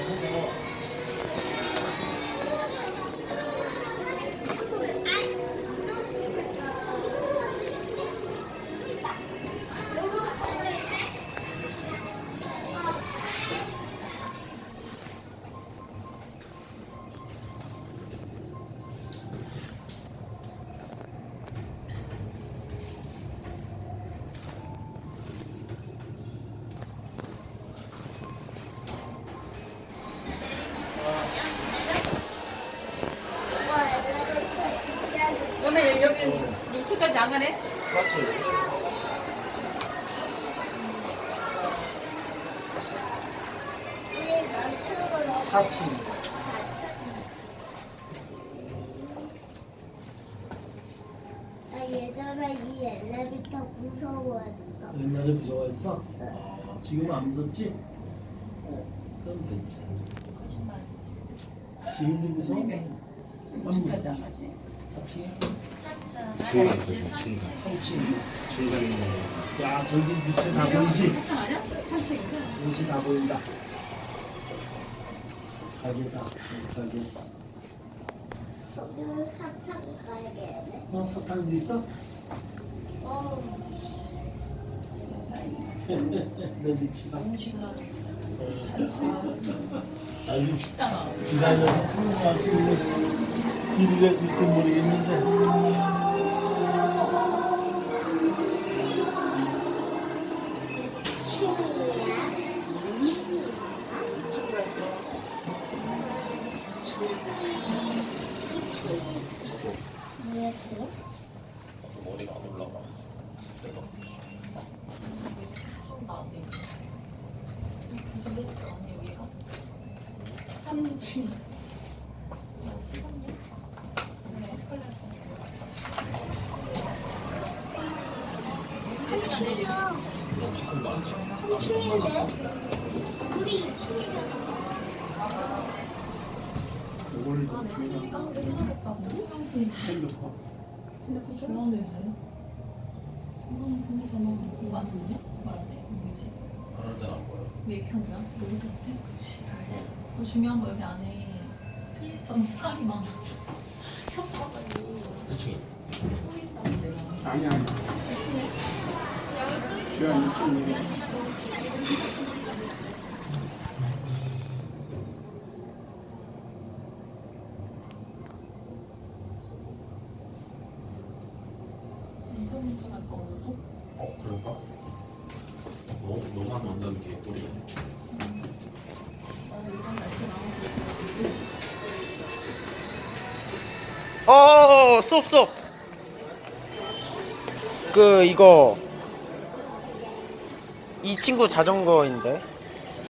그러면 여기 6층까지 안 가네? 맞지? 4층. 나 예전에 이 엘리베이터 무서워했어. 옛날에 무서워했어? 지금 안 무섭지? 그럼 됐지. 거짓말. 지금도 무서워? 6층까지 안 가지. 4층에? 중간 그 중간 3층. 중간 야, 저기 밑에 다 보이지? 4층 아니야? 3층인가? 밑이 다 보인다. 가게다. 가게. 여기는 사탕 가게네. 사탕도 있어? 내립시다. 아니, 식당아. 기다려서 승무할 수 있는 길이가 있을지 모르겠는데. 머리가 안 올라가. 그래서 좀 나은데. 언니 여기가? 3층. 씻은 거 아니야? 3층인데? 우리 2층이잖아. 이걸 핸드폰. 근데 그거 좋아하는데 왜? 이거는 공기잖아. 이거 안 듣냐? 말안 돼? 공기지? 안 할 때는 안 보여. 왜 이렇게 한다? 로봇한테? 그치. 중요한 거 여기 안에 틀리점 살이 많아. 혓바닥이 1층이. 보인다고 내가. 아니, 아니. 주한 2층. 이거 문제 갈까 오늘도? 그럴까? 너만 완전 개꿀이. 이런 날씨 나오고. 스톱. 이거 이 친구 자전거인데.